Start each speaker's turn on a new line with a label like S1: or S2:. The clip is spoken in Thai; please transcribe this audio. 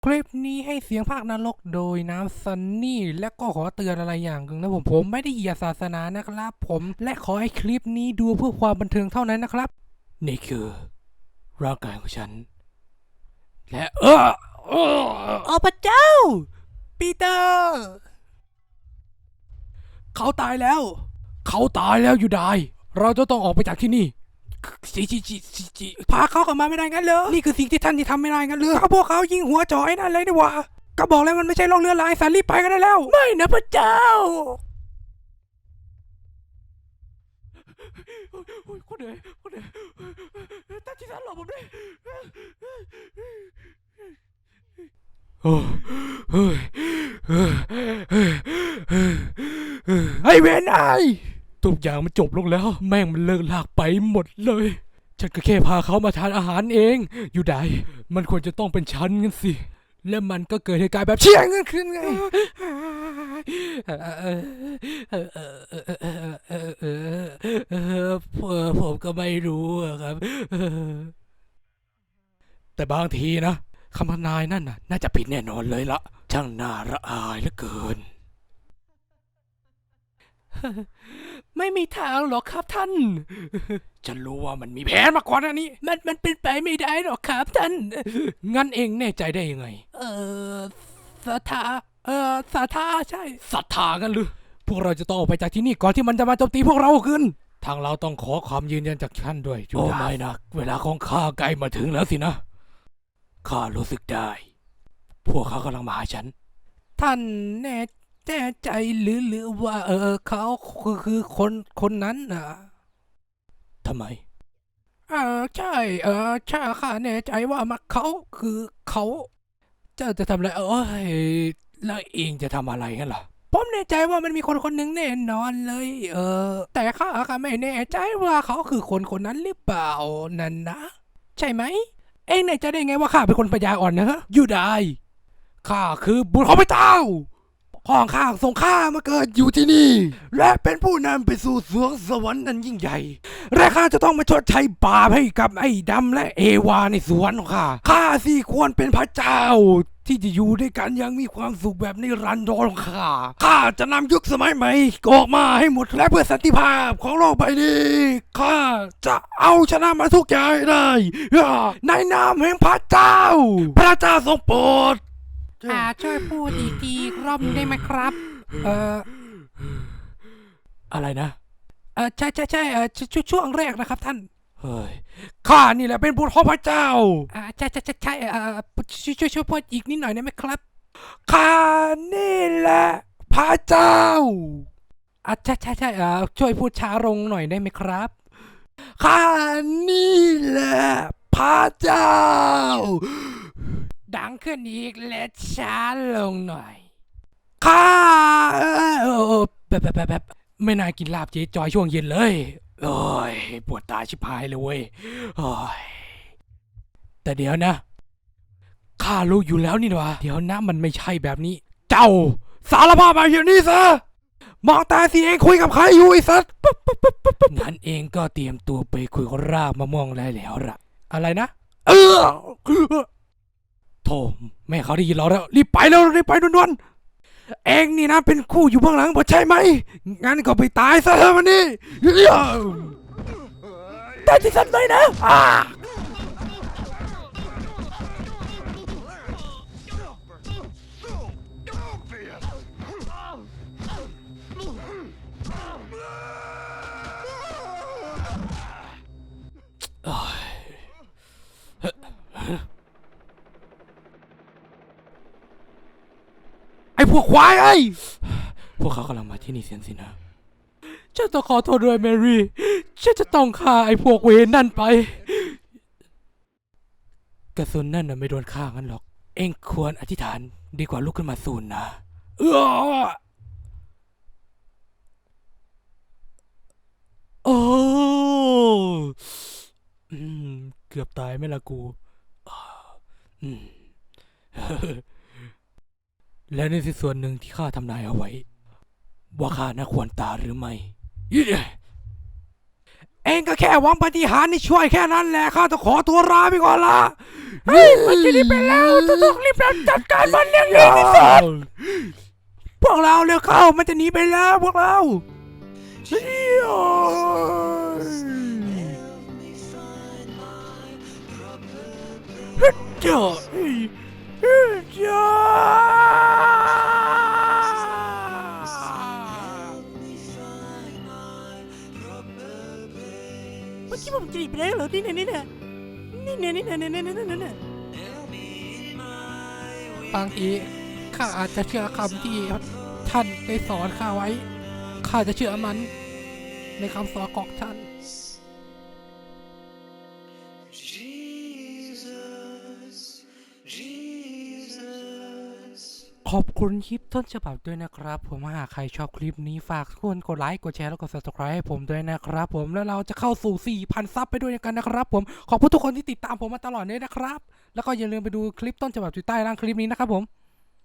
S1: คลิปนี้ให้เสียงภาคนรกโดยน้ำซันนี่และก็ขอเตือนอะไรอย่างหนึ่งนะผมไม่ได้เหยียดศาสนานะครับผมและขอให้คลิปนี้ดูเพื่อความบันเทิงเท่านั้นนะครับนี่คือร่างกายของฉันและพระเจ้าปีเตอร์เขาตายแล้วอยู่ได้เราจะต้องออกไปจากที่นี่จีพาเขากลับมาไม่ได้งั้นเหรอนี่คือสิ่งที่ท่านที่ทำไม่ได้งั้นเหรอพวกเขายิงหัวจ่อไอ้นั่นเลยดีกว่าก็บอกแล้วมันไม่ใช่โรคเรื้อรังสันรีบไปกันได้แล้วไม่นะพระเจ้าคนเหนื่อยท่านที่ท่านหลบผมด้วยไอ้เวนไอทุกอย่างมันจบลงแล้วแม่งมันเลิกลากไปหมดเลยฉันก็แค่พาเขามาทานอาหารเองอยู่ได้มันควรจะต้องเป็นฉันงั้นสิและมันก็เกิดเหตุการณ์แบบเชี่ยงขึ้นไงผมก็ไม่รู้ครับแต่บางทีนะคำทำนายนั่นน่าจะผิดแน่นอนเลยละช่างน่าระอายเหลือเกินไม่มีทางหรอกครับท่านฉันรู้ว่ามันมีแผนมาก่อนอันนี้มันเป็นไปไม่ได้หรอกครับท่านงั้นเองแน่ใจได้ยังไงศรัทธาศรัทธาใช่ศรัทธากันหรือพวกเราจะต้องออกไปจากที่นี่ก่อนที่มันจะมาโจมตีพวกเราขึ้นทางเราต้องขอความยืนยันจากท่านด้วยโอ้ไม่นะเวลาของข้าใกล้มาถึงแล้วสินะข้ารู้สึกได้พวกเขากำลังมาหาฉันท่านแน่ใจหรือว่าเขาคือคนนั้นน่ะทำไมใช่ใช่ข้าแน่ใจว่ามันเขาคือเขาจะทำอะไรแล้วเองจะทำอะไรกันล่ะผมแน่ใจว่ามันมีคนหนึ่งแน่นอนเลยแต่ข้าไม่แน่ใจว่าเขาคือคนนั้นหรือเปล่านั่นนะใช่ไหมเองแน่ใจได้ไงว่าข้าเป็นคนปัญญาอ่อนนะอยู่ได้ข้าคือบุตรของพระเจ้าพ่อข้าส่งข้ามาเกิดอยู่ที่นี่และเป็นผู้นำไปสู่สวงสวรรค์นั้นยิ่งใหญ่และข้าจะต้องมาชดใช้บาปให้กับไอ้ดำและเอวาในสวนของข้าสิควรเป็นพระเจ้าที่จะอยู่ด้วยกันอย่างมีความสุขแบบนิรันดรของข้าจะนำยุคสมัยใหม่ออกมาให้หมดและเพื่อสันติภาพของโลกใบนี้ข้าจะเอาชนะมาทุกอย่างได้ในนามแห่งพระเจ้าพระเจ้าทรงโปรดช่วยพูดอีกทีรอบได้ไหมครับอะไรนะใช่ช่วงแรกนะครับท่านเฮ้ยข้านี่แหละเป็นบุตรของพระเจ้าใช่ช่วยพูดอีกนิดหน่อยได้ไหมครับข้านี่แหละพระเจ้าใช่ช่วยพูดช้าลงหน่อยได้ไหมครับข้านี่แหละพระเจ้าดังขึ้นอีกและช้าลงหน่อยข้าแบบไม่น่ากินลาบเจ๊จอยช่วงเย็นเลยโอ้ยปวดตาชิบหายเลยเว้ยโอ้ยแต่เดี๋ยวนะข้ารู้อยู่แล้วนี่หว่าเดี๋ยวนะมันไม่ใช่แบบนี้เจ้าสารภาพมาอย่างนี้ซะมองตาสิเองคุยกับใครอยู่ไอ้สัสงั้นเองก็เตรียมตัวไปคุยกับรากมะม่วงได้แล้วล่ะอะไรนะโธ่แม่เขาได้ยินเราแล้วรีบไปด่วนๆเองนี่นะเป็นคู่อยู่เบื้องหลังบ่ใช่ไหมงั้นก็ไปตายซะเถอะวันนี้แต่ที่สันเลยนะไอ้พวกควายไอ้พวกเขากำลังมาที่นี่เสียสินะฉันต้องขอโทษด้วยแมรี่ฉันจะต้องฆ่าไอ้พวกเวรนั่นไปกระสุนนั่นน่ะไม่โดนฆ่างั้นหรอกเอ็งควรอธิษฐานดีกว่าลุกขึ้นมาสูนนะโอ้เกือบตายไหมล่ะกูและนี่คือส่วนหนึ่งที่ข้าทำนายเอาไว้ว่าข้าน่าควรตายหรือไม่เองก็แค่หวังปาฏิหาริย์นี่ช่วยแค่นั้นแหละข้าต้องขอตัวลาไปก่อนละเฮ้ยมันจะหนีไปแล้วต้องรีบจัดการมันเรื่องนี้ที่สุดพวกเราเร็วเข้ามันจะหนีไปแล้วพวกเราเจ้าเมื่อกี้ผมจะหนีไปแล้วเหรอนี่เนี่ยบางทีข้าอาจจะเชื่อคำที่ท่านได้สอนข้าไว้ข้าจะเชื่อมันในคำสอนของท่านขอบคุณคลิปต้นฉบับด้วยนะครับผมหากใครชอบคลิปนี้ฝากทุกคนกดไลค์กดแชร์แล้วกด subscribe ให้ผมด้วยนะครับผมแล้วเราจะเข้าสู่ 4,000 ซับไปด้วยกันนะครับผมขอบคุณทุกคนที่ติดตามผมมาตลอดเลยนะครับแล้วก็อย่าลืมไปดูคลิปต้นฉบับอยู่ใต้ล่างคลิปนี้นะครับผม